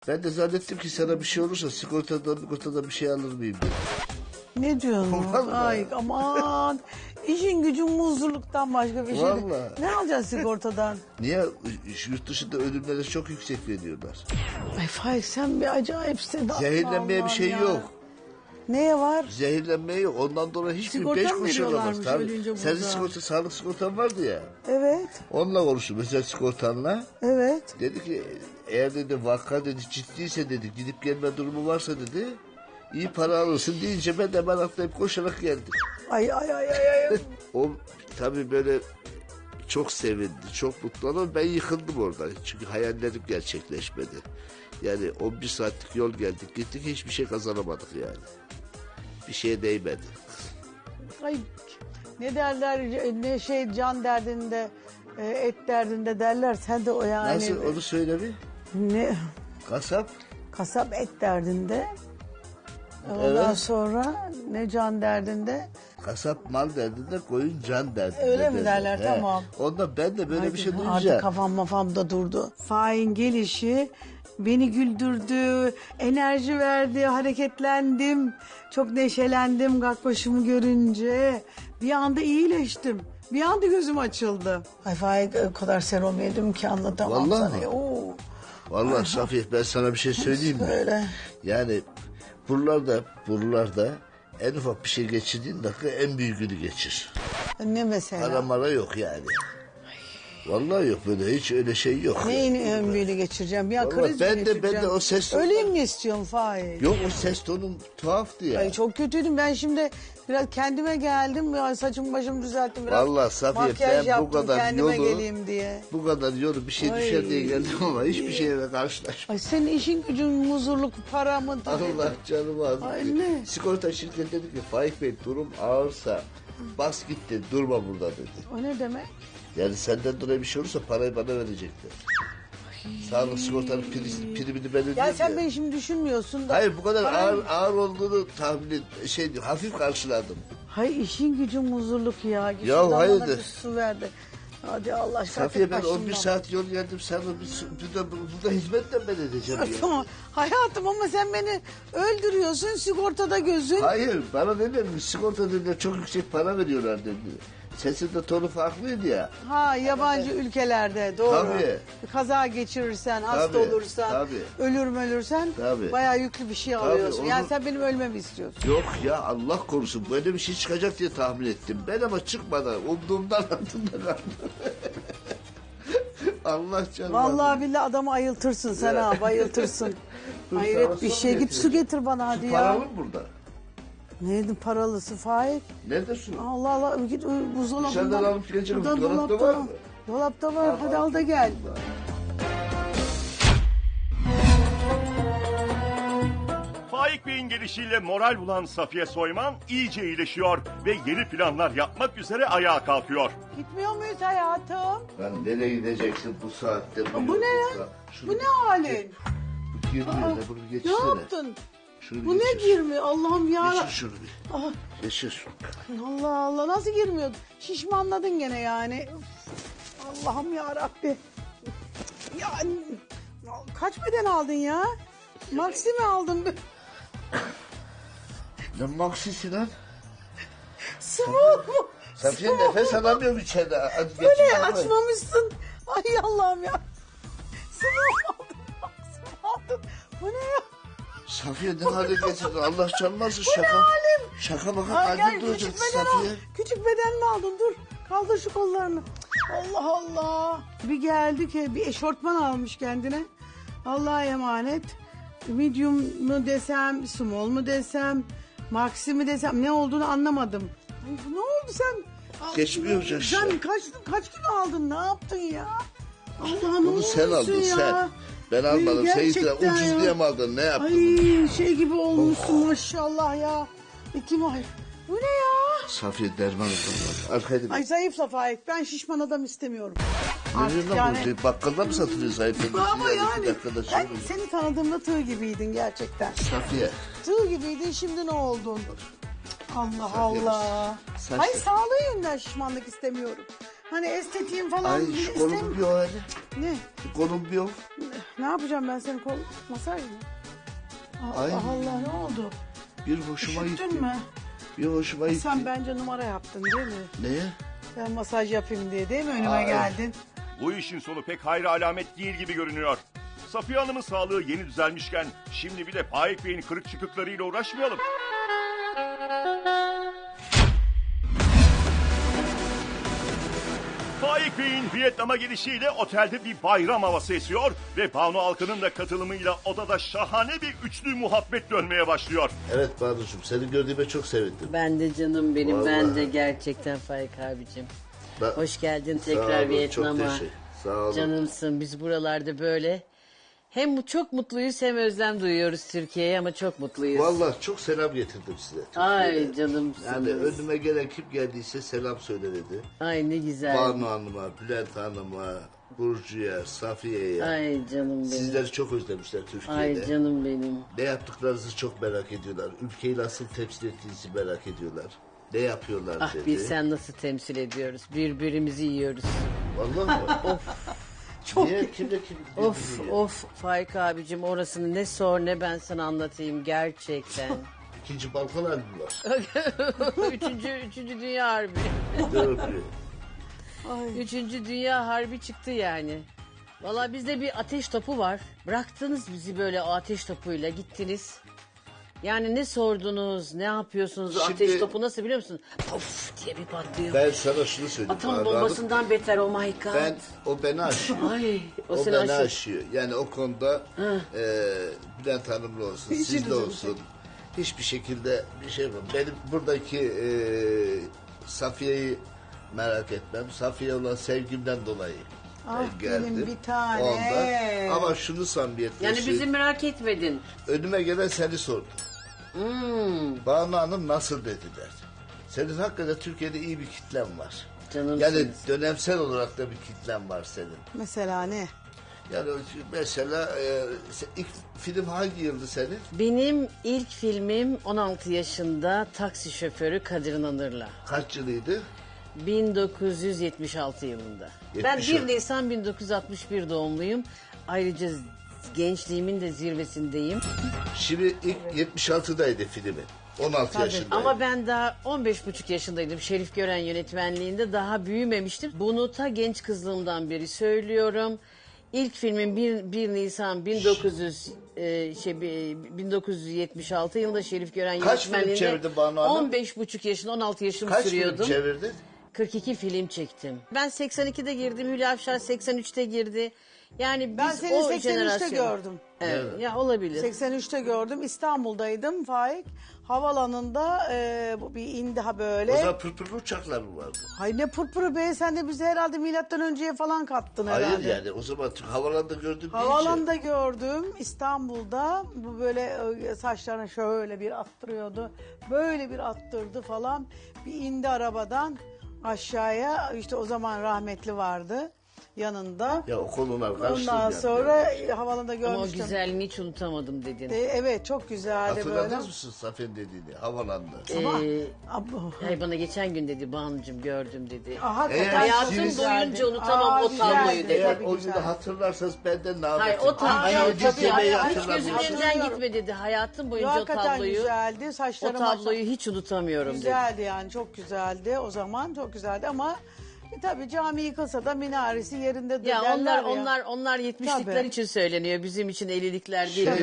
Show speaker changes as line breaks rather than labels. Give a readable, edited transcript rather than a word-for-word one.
Ben de zannettim ki sana bir şey olursa sigortadan bir şey alır mıyım dedim.
Ne diyorsun?
Vallahi.
Ay aman. İşin gücün muzluluktan başka bir şey değil.
Vallahi.
Ne alacaksın sigortadan?
Niye? Yurt dışında ölümlere çok yüksek veriyorlar.
Ay Faik sen bir acayipsin.
Zehirlenmeye bir
Allah'ım
şey
ya.
yok.
Neye var?
Zehirlenmeye yok. Ondan dolayı hiçbir
Sigorta
5
mı
kuruş alamaz.
veriyorlarmış
Tabii.
ölünce
Senin
burada?
sigorta, sağlık sigortan vardı ya.
Evet.
Onunla konuştum özel sigortanla.
Evet.
Dedi ki eğer dedi vaka dedi ciddiyse dedi gidip gelme durumu varsa dedi iyi para alırsın deyince ben de hemen atlayıp koşarak geldim.
Ay ay ay ay ay.
O tabii böyle çok sevindi, çok mutlu oldu. Ben yıkıldım orada. Çünkü hayallerim gerçekleşmedi. Yani 11 saatlik yol geldik gittik hiçbir şey kazanamadık yani. Bir şeye değmedi.
Ay ne derler ne şey can derdinde et derdinde derler sen de o yani.
Nasıl onu söyle bir.
Ne
Kasap.
kasap et derdinde. Ondan
Evet.
sonra ne can derdinde.
Kasap mal derdinde koyun can derdinde.
Öyle mi derler?
He.
Tamam.
Ondan ben de böyle bir şey
Artık
duyunca.
kafam mafam da durdu. Faik'in gelişi beni güldürdü, enerji verdi, hareketlendim. Çok neşelendim Gakbaşımı görünce. Bir anda iyileştim. Bir anda gözüm açıldı. Ay Faik o kadar serum yedim ki anlatamam
Vallahi
sana.
mi?
Oo.
Vallahi Safiye ben sana bir şey söyleyeyim mi?
Söyle.
Yani buralarda en ufak bir şey geçirdiğin dakika en büyüğünü geçir.
Ne mesela?
Para mara yok yani. Vallahi yok böyle hiç öyle şey yok.
Neyin en büyüğünü geçireceğim? Ya
Vallahi
kriz mi
ben
geçireceğim?
de o ses
Öleyim mi istiyorsun Faik?
Yok o ses tonun tuhaftı ya.
Ay çok kötüydüm. Ben şimdi biraz kendime geldim. Ya saçımı başımı düzelttim biraz.
Vallahi Safiye,
makyaj
ben bu
yaptım
kadar
kendime
yolu-
geleyim diye.
Bu kadar yolu bir şey
Ay.
düşer diye geldim ama hiçbir şeyle karşılaşmadım.
Ay senin işin gücün huzurluk para mı?
Allah canımı aldı.
Ay ne?
Sigorta şirketi dedi ki Faik Bey durum ağırsa bas git dedi durma burada dedi.
O ne demek?
Yani senden dolayı bir şey olursa parayı bana verecekler. Sağlık sigortanın primini ben ödeyeyim
Ya sen
ya.
beni şimdi düşünmüyorsun da.
Hayır bu kadar
Paran-
ağır olduğunu tahmin hafif karşıladım.
Hay işin gücün huzurluk ya. Git
Ya
şuradan bana
hayırdır?
bir su verdi. Hadi Allah aşkına.
Safiye ben
başımdan.
11 saat yol geldim sana burada hizmetle ben edeceğim ya.
Tamam. Hayatım ama sen beni öldürüyorsun sigortada gözün.
Hayır bana ne demiş sigorta dediler çok yüksek para veriyorlar dedi. Sesin de tonu farklıydı ya.
Ha yabancı ülkelerde doğru.
Tabii.
Kaza geçirirsen, hasta
Tabii,
olursan,
tabii.
ölürsen
Tabii.
bayağı yüklü bir şey alıyorsun.
onu-
Yani sen benim ölmemi istiyorsun.
Yok ya Allah korusun böyle bir şey çıkacak diye tahmin ettim. Ben ama çıkmadan umduğumdan altında kaldım. Allah canım.
Vallahi billahi adamı ayıltırsın sen
Ya.
ha bayıltırsın.
Dur,
Hayret
sana
bir
su
şey. Git
getireyim.
su getir bana hadi ya.
Paralı mı burada?
Neydi paralısı Faik?
Nerede su?
Allah Allah git buzdolabından.
Dışarıdan alıp geleceğim.
Buradan
Dolapta var mı?
Dolapta var. Hadi al da gel.
Faik Bey'in gelişiyle moral bulan Safiye Soyman iyice iyileşiyor ve yeni planlar yapmak üzere ayağa kalkıyor.
Gitmiyor muyuz hayatım?
Lan nereye gideceksin bu saatte?
Bu ne ya?
yolculukta?
Bu ne halin?
Bu girmiyor da bunu bir
Ne
geçirsene.
yaptın?
Şunu
Bu
bir
ne
geçir.
girmiyor Allah'ım ya.
Geçir şunu bir.
Ah,
Geçir.
Allah Allah nasıl girmiyor? Şişmanladın gene yani. Üf, Allah'ım ya Rabbi. Ya kaç beden aldın ya? Maxi mi aldın?
Ne maksisi lan?
Small mu?
Safiye nefes alamıyorum içeride. Hadi
Bu ne
geçin.
açmamışsın? Ay Allah'ım ya. Small aldın. Maxi aldın. Bu ne ya?
Safiye ne hale getirdin? Allah canmasın
Bu ne
şaka.
halim?
Şaka bakın
Ay
kalbim
gel
duracak
küçük beden al.
Safiye.
Küçük beden mi aldın? Dur. Kaldır şu kollarını. Allah Allah. Bir geldi ki bir eşortman almış kendine. Allah'a emanet. Medium mu desem, small mu desem, maxi mi desem ne olduğunu anlamadım. Ay, ne oldu sen?
Geçmiyor
Sen
yaşa.
kaç kilo aldın? Ne yaptın ya? Allah'ım
Bunu sen aldın sen. Ben almadım. Sen
Gerçekten
ucuz
ya.
diye mi aldın? Ne yaptın?
Ay şey gibi olmuşsun maşallah ya. Ay. Bu ne ya?
Safiye derman oldu. Arkaya
Ay zayıfla Faik. Ben şişman adam istemiyorum.
Ne
Artık
diyorsun lan bu? Bakkalda mı satılıyor zayıfladın?
Ama yani
Bir dakikada
ben
söyle.
seni tanıdığımda tığ gibiydin gerçekten.
Safiye.
Tığ gibiydin şimdi ne oldun? Allah
Safiye,
Allah.
saç-
Hayır sağlığı yönden şişmanlık istemiyorum. Hani estetiğim falan
Ay
bile
şu kolum bir o hani.
Ne?
Şu kolum bir o.
Ne yapacağım ben senin kol masaj mı? Allah
Ay.
Allah ne oldu?
Bir hoşuma gitti.
Üşüttün mü?
Bir hoşuma gitti.
Sen bence numara yaptın değil mi?
Neye?
Ben masaj yapayım diye değil mi önüme
Ay.
geldin?
Bu işin sonu pek hayra alamet değil gibi görünüyor. Safiye Hanım'ın sağlığı yeni düzelmişken şimdi bir de Faik Bey'in kırık çıkıklarıyla uğraşmayalım. Faik Bey'in Vietnam'a gelişiyle otelde bir bayram havası esiyor ve Banu Alkan'ın da katılımıyla odada şahane bir üçlü muhabbet dönmeye başlıyor.
Evet Banu'cum seni gördüğüme çok sevindim.
Ben de canım benim.
Vallahi.
Ben de gerçekten Faik abicim.
Ben-
Hoş geldin
Sağ
tekrar
olun,
Vietnam'a.
Çok teşekkür. Sağ olun.
Canımsın. Biz buralarda böyle hem çok mutluyuz hem özlem duyuyoruz Türkiye'ye ama çok mutluyuz.
Vallahi çok selam getirdim size.
Ay
Türkiye'den.
canımsınız.
Yani önüme gelen kim geldiyse selam söyle dedi.
Ay ne güzel.
Banu Hanım'a, Bülent Hanım'a, Burcu'ya, Safiye'ye.
Ay canım benim.
Sizleri çok özlemişler Türkiye'de.
Ay canım benim.
Ne yaptıklarınızı çok merak ediyorlar. Ülkeyi nasıl temsil ettiğinizi merak ediyorlar. Ne yapıyorlar
Ah
dedi.
biz sen nasıl temsil ediyoruz. Birbirimizi yiyoruz.
Vallahi mi?
Çok
Niye? Kimle kim?
Of of Faik abicim orasını ne sor ne ben sana anlatayım gerçekten.
İkinci balkon halinde var.
üçüncü Dünya Harbi.
Dördü.
Üçüncü Dünya Harbi çıktı yani. Valla bizde bir ateş topu var. Bıraktınız bizi böyle o ateş topuyla gittiniz. Yani ne sordunuz, ne yapıyorsunuz? O
Şimdi-
ateş topu nasıl biliyor musun? Puf diye bir patlıyor.
Ben sana şunu söyleyeyim.
Atom
Banu
bombasından beter oh my god.
Hanım. O beni aşıyor.
Ay o,
O
seni
beni
aşıyor.
aşıyor. Yani o konuda Bülent Hanım'la olsun, sizle olsun. Hiçbir şekilde bir şey yapmam. Benim buradaki Safiye'yi merak etmem. Safiye olan sevgimden dolayı
Ah
geldim.
benim bir tane.
Ondan. Ama şunu samimiyetle
Yani bizi
söyleyeyim.
merak etmedin.
Önüme gelen seni sordu. Banu Hanım nasıl dediler. Senin hakikaten Türkiye'de iyi bir kitlen var.
Canımsınız.
Yani dönemsel olarak da bir kitlen var senin.
Mesela ne?
Yani mesela ilk film hangi yıldı senin?
Benim ilk filmim 16 yaşında taksi şoförü Kadir İnanır'la.
Kaç yılıydı?
1976 yılında. Ben
70
1 Nisan 1961 doğumluyum. Ayrıca gençliğimin de zirvesindeyim.
Şimdi ilk 76'daydı filmi. 16 yaşındaydı.
Ama ben daha 15,5 yaşındaydım. Şerif Gören yönetmenliğinde daha büyümemiştim. Bunu ta genç kızlığımdan beri söylüyorum. İlk filmim 1 Nisan 1976 yılında Şerif Gören
Kaç film
yönetmenliğinde
çevirdin Banu Hanım?
15,5 yaşında 16 yaşımı
Kaç
sürüyordum.
film çevirdin?
42 film çektim. Ben 82'de girdim. Hülya Avşar 83'te girdi. Yani biz
Ben seni
o
83'te
jenerasyon.
gördüm.
Evet. Ya olabilir.
83'te gördüm. İstanbul'daydım Faik. Havalanında bu bir indi ha
O
böyle.
zaman pırpırlı uçaklar mı vardı?
Hay ne pırpırı be sen de bizi herhalde milattan önceye falan kattın herhalde.
Hayır yani o zaman havalanda gördüm
Havalanda gördüm İstanbul'da bu böyle saçlarını şöyle bir attırıyordu. Böyle bir attırdı falan. Bir indi arabadan aşağıya işte o zaman rahmetli vardı yanında.
Ya o konular karıştırdı.
Ondan
yani.
sonra havalanda
Ama o
görmüştüm.
güzelliğini hiç unutamadım dedin.
Evet çok güzeldi böyle.
Hatırladınız mısın Safiye'nin dediğini? Havalanda.
Hayır bana geçen gün dedi Banu'cum gördüm dedi.
Hakikaten
Hayatım
çok güzeldi.
boyunca unutamam o
güzeldi,
tabloyu dedi.
Eğer
tabii
o
güzeldi.
günü hatırlarsanız benden ne
Hayır
yapayım?
o tabloyu
Aynı
tabii
yemeği
hiç
hatırlamıyorum.
gözümün önünden gitme dedi. Hayatım boyunca o
Hakikaten
tabloyu.
güzeldi.
O
Saçları
tabloyu hiç unutamıyorum dedi.
güzeldi yani çok güzeldi o zaman çok güzeldi ama tabii cami yıkılsa da minaresi yerinde
Ya
derler
onlar 70'likler
Tabii.
için söyleniyor. Bizim için 50'likler değil.